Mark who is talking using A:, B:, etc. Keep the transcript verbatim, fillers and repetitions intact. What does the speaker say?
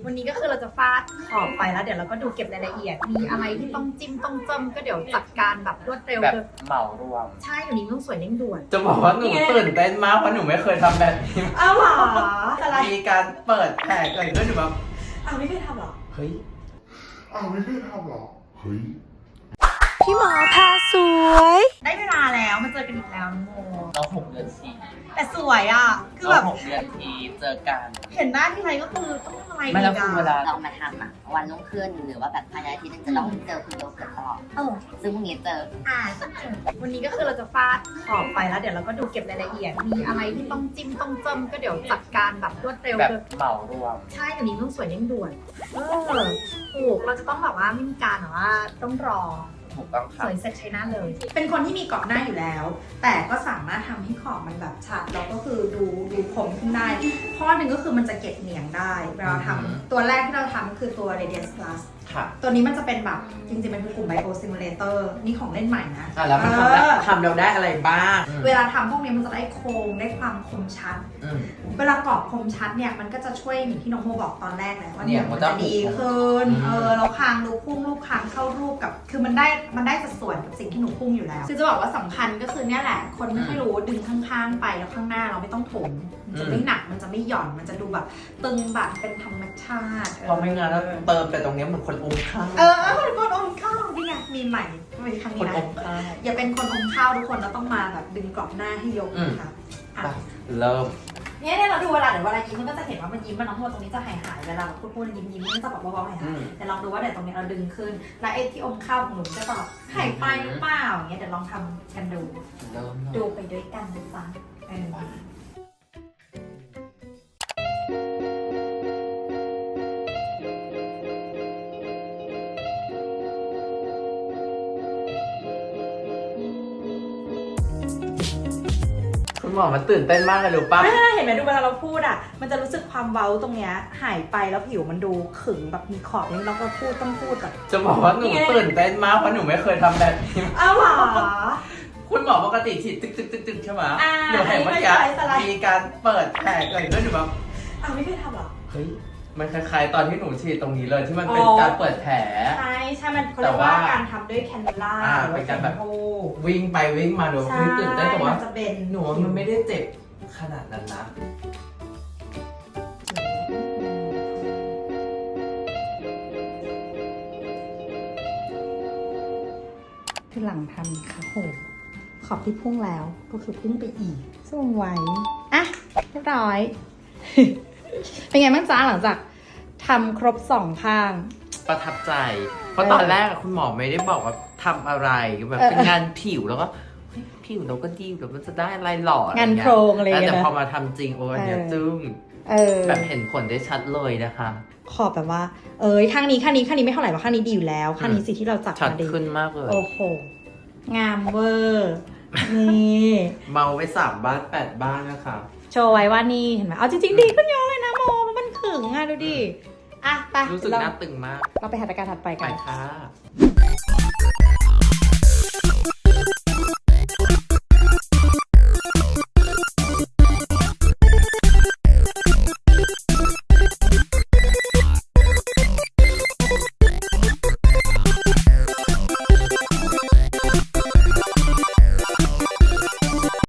A: วันนี้ก็คือเราจะฟาดขอบไปแล้วเดี๋ยวเราก็ดูเก็บรายละเอียดมีอะไรที่ต้องจิ้มต้องเจิมก็เดี๋ยวจัดการแบบรวดเร็ว
B: แบบเหมารวม
A: ใช่อยู่นี้ต้องสวยเร่งด่วน
B: จะบอกว่าหนูตื่นเต้นมากเพราะหนูไม่เคยทำแบบนี้
A: อ้าวเหรออะไร
B: มีการเปิดแผลเกิดขึ้นหนูแบบ
A: อ้าวไม่เคยทำหรอ
B: เฮ้ย
C: อ้าวไม่เคยทำหรอเฮ้ย
A: พี่หมอพาสวยได้เวลาแล้วมาเจอกันอีกแล้วน้องโม
B: น้องหกเดือนที
A: แต่สวยอ่ะคือแบบ
B: หกเดือนทีเจอกัน
A: เห็นหน้าที่ไรก็คือต้องอะไร
B: ไม่แล้วคือเวลา
D: เรามาทำอ่ะวันรุ่งขึ้นหรือว่าแบบภายในอาทิตย์นึงจะต้องเจอคุณโยเกิร์ตตลอด
A: เออ
D: ซึ่งพรุ่งนี้เจอ
A: อ่าวันนี้ก็คือเราจะฟาดขอบไปแล้วเดี๋ยวเราก็ดูเก็บรายละเอียดมีอะไรที่ต้องจิ้มต้องเจิมก็เดี๋ยวจัดการแบบรวดเร็ว
B: แบบเหมารวม
A: ใช่อยู่นี้ต้องสวยเร่งด่วนเออถูกเราจะต้องแบบว่าไม่มีการแบบว่าต้องรอสวยเสร็จใช้หน้าเลยเป็นคนที่มีกรอบหน้าอยู่แล้วแต่ก็สามารถทำให้ขอบมันแบบชัดแล้วก็คือดูดูคมขึ้นได้ข้อหนึ่งก็คือมันจะเก็บเหนียงได้เวลาทำตัวแรกที่เราทำก็คือตัว Radiance Plus ตัวนี้มันจะเป็นแบบจริงๆมันคือกลุ่ม Bio Simulator นี่ของเล่นใหม่นะ
B: แล้วมันทำได้ทำเราได้อะไรบ้าง
A: เวลาทำพวกนี้มันจะได้โครงได้ความคมชัดเวลากรอบคมชัดเนี่ยมันก็จะช่วยอย่างที่น้องโมบอกตอนแรกแหละว่าเนี่ยมันจะดีขึ้นเออเราคางรูพุ่งรูปคางเข้ารูปกับคือมันได้มันได้สัดส่วนกับสิ่งที่หนูพุ่งอยู่แล้วคือจะบอกว่าสำคัญก็คือเนี่ยแหละคนไม่ค่อยรู้ดึงข้างๆไปแล้วข้างหน้าเราไม่ต้องถมมันจะไม่หนักมันจะไม่หย่อนมันจะดูแบบตึงแบบเป็นธรรมชาติ
B: พอไม่งั้นแล้วเติมแต่ตรงนี้เหมือนคนอมข้าว
A: เออคนคนอมข้าวนี่ไงมีใหม่ในครั้งนี้นะอย่าเป็นคนอมข้าวทุกคนเราต้องมาแบบดึงกรอบหน้าให้ยกนะคะ
B: เริ่ม
A: เนี่ยเนี่ยเราดูเวลาเดี๋ยวเวลายิ้มมันก็จะเห็นว่ามันยิ้มมันน้องโมตรงนี้จะหายหายเวลาพูดพูดยิ้มยิ้มมันจะแบบเบาๆหายหายแต่ลองดูว่าเดี๋ยวตรงนี้เราดึงขึ้นแล้วไอ้ที่อมข้าวของหนูจะแบบหายไปหรือเปล่าอย่างเงี้ยเดี๋ยวลองทำกันดูดูไปด้วยกันนะจ๊ะเออ
B: คุณหมอมันตื่นเต้นมากเลยรู้ป่ะ
A: เห็นไหมดูเวลาเราพูดอ่ะมันจะรู้สึกความเว้าตรงเนี้ยหายไปแล้วผิวมันดูขึงแบบมีขอบนี่เราก็พูดต้องพูดแบบ
B: จะบอกว่าหนูตื่นเต้นมากเพราะหนูไม่เคยทำแบบนี้
A: อ้าวเหรอ
B: คุณหมอปกติฉีดตึกตึกตึกตึกใช่ไหมหนูเห็นเมื่อกี้มีการเปิดแผลเกิดขึ้นหนูแบบ
A: อ้าวไม่เคยทำหรอ
B: เฮ้ยมันคล้ายๆตอนที่หนูฉีดตรงนี้เลยที่มันเป็นการเปิดแผล
A: ใช่ใช่มันเขาเรียกว่าการทำด้วยแคนนูล่า
B: เป็นการแบบวิ่งไปวิ่งมาหนูตื่นเต้นแต่ว่าหนูมันไม่ได้เจ็บขนาดนั้นนะ
A: คือหลังทำค่ะโหขอบที่พุ่งแล้วก็คือพุ่งไปอีกสวยอ่ะเรียบร้อย เป็นไงบ้างจ้าหลังจากทำครบสองข้าง
B: ประทับใจเพราะตอนแรกคุณหมอไม่ได้บอกว่าทำอะไรแบบเป็นงานผิวแล้วก็ผิวเราก็ดีแบบมันจะได้อะไรหล่อง
A: านโครงอะไรอย่างเงี้ย
B: แต่พอมาทำจริงโอ้ยเนี่ยจึ้งแบบเห็นผลได้ชัดเลยนะคะ
A: ขอบแบบว่าเอ้ยข้างนี้ข้างนี้ข้างนี้ไม่เท่าไหร่ว่าข้างนี้ดีอยู่แล้วข้างนี้สิที่เราจับ
B: ชัดขึ้นมากเลย
A: โอ้โหงามเวอร์นี่
B: เมาไปสามบ้านแปดบ้านนะคะ
A: โชว์ไว้ว่านี่เห็นไหมเอาจริงๆดีขึ้นเยอะเลยนะโมมันขึงอ่ะดูดิอ่ะไป
B: รู้สึกหน้าตึงมาก
A: เราไปหัตถการถัดไปกัน
B: ไปค่ะ